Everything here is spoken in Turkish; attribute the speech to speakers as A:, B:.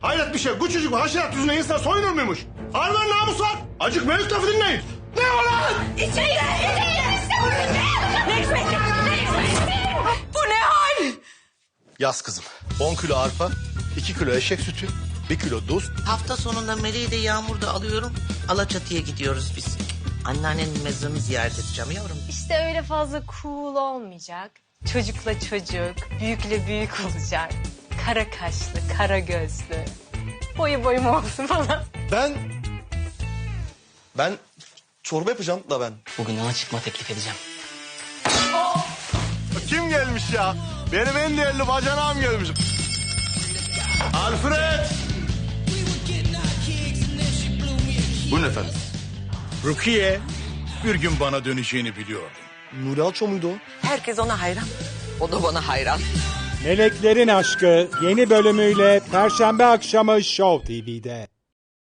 A: Hayret bir şey. Küçücük bir haşerat yüzüne insan soyunur muymuş? Arman namus var. Acık mevcut lafı dinleyin. Ne o lan?
B: İçeri Ne hikmeti? Bu ne hal?
A: Yaz kızım. 10 kilo arpa, 2 kilo eşek sütü, 1 kilo tuz.
C: Hafta sonunda Meleği de Yağmur'da alıyorum. Alaçatı'ya gidiyoruz biz. Anneannenin mezarını ziyaret edeceğim yavrum.
D: İşte öyle fazla cool olmayacak. Çocukla çocuk, büyükle büyük olacak. Kara kaşlı, kara gözlü. Boyu boyum olsun falan.
E: Ben çorba yapacağım da ben.
F: Bugün ona çıkma teklif edeceğim.
A: Kim gelmiş ya? Benim en değerli bacanağım gelmiş. Alfred!
G: Buyurun efendim. Rukiye bir gün bana döneceğini biliyordum.
E: Nuri Alço muydu o?
B: Herkes ona hayran. O da bana hayran.
H: Meleklerin Aşkı yeni bölümüyle Perşembe akşamı Show TV'de.